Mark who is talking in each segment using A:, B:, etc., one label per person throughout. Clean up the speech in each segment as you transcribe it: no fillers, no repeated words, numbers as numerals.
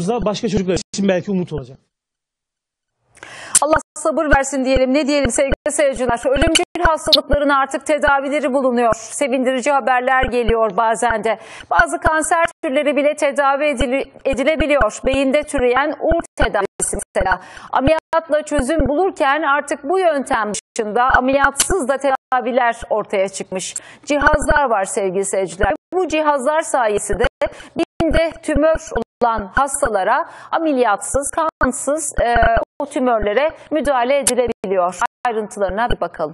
A: da başka çocuklar için belki umut olacak.
B: Allah sabır versin diyelim. Ne diyelim sevgili seyirciler? Ölümcül hastalıkların artık tedavileri bulunuyor. Sevindirici haberler geliyor bazen de. Bazı kanser türleri bile tedavi edilebiliyor. Beyinde türeyen uğur tedavisi mesela. Ameliyatla çözüm bulurken artık bu yöntem dışında ameliyatsız da tedaviler ortaya çıkmış. Cihazlar var sevgili seyirciler. Bu cihazlar sayesinde beyinde tümör olan hastalara ameliyatsız, kansız o tümörlere müdahale edilebiliyor. Ayrıntılarına bir bakalım.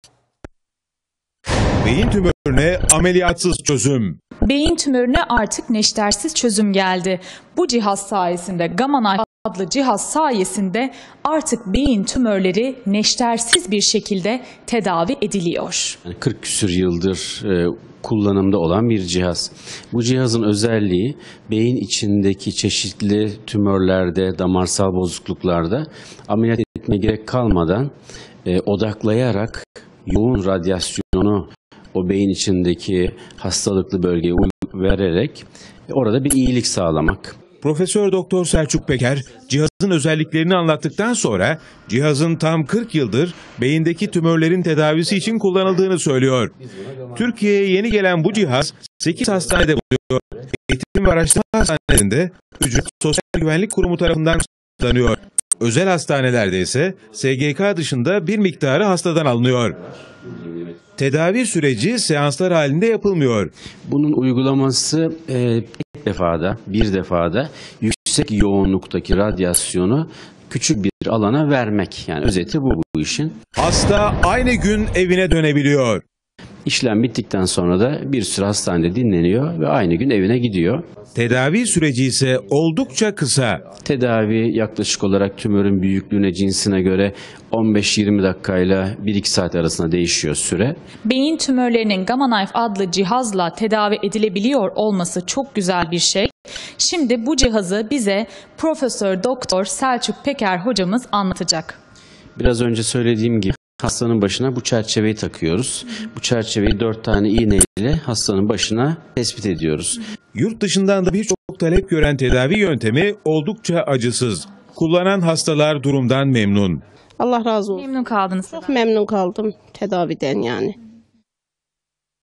C: Beyin tümörüne ameliyatsız çözüm.
D: Beyin tümörüne artık neştersiz çözüm geldi. Bu cihaz sayesinde, Gamma Knife adlı cihaz sayesinde artık beyin tümörleri neştersiz bir şekilde tedavi ediliyor.
E: 40 küsur yıldır kullanımda olan bir cihaz. Bu cihazın özelliği beyin içindeki çeşitli tümörlerde, damarsal bozukluklarda ameliyat etmeye gerek kalmadan odaklayarak yoğun radyasyonu o beyin içindeki hastalıklı bölgeye vererek orada bir iyilik sağlamak.
C: Profesör Doktor Selçuk Peker cihazın özelliklerini anlattıktan sonra cihazın tam 40 yıldır beyindeki tümörlerin tedavisi için kullanıldığını söylüyor. Türkiye'ye yeni gelen bu cihaz 8 hastanede bulunuyor. Eğitim ve Araştırma Hastanesi'nde ücretli Sosyal Güvenlik Kurumu tarafından kullanılıyor. Özel hastanelerde ise SGK dışında bir miktarı hastadan alınıyor. Tedavi süreci seanslar halinde yapılmıyor.
E: Bunun uygulaması bir defada yüksek yoğunluktaki radyasyonu küçük bir alana vermek. Yani özeti bu işin.
C: Hasta aynı gün evine dönebiliyor.
E: İşlem bittikten sonra da bir süre hastanede dinleniyor ve aynı gün evine gidiyor.
C: Tedavi süreci ise oldukça kısa.
E: Tedavi yaklaşık olarak tümörün büyüklüğüne, cinsine göre 15-20 dakikayla 1-2 saat arasında değişiyor süre.
D: Beyin tümörlerinin Gamma Knife adlı cihazla tedavi edilebiliyor olması çok güzel bir şey. Şimdi bu cihazı bize Profesör Doktor Selçuk Peker hocamız anlatacak.
E: Biraz önce söylediğim gibi hastanın başına bu çerçeveyi takıyoruz. Bu çerçeveyi 4 tane iğneyle hastanın başına tespit ediyoruz.
C: Yurt dışından da birçok talep gören tedavi yöntemi oldukça acısız. Kullanan hastalar durumdan memnun.
F: Allah razı olsun.
D: Memnun kaldınız.
F: Çok memnun kaldım tedaviden yani.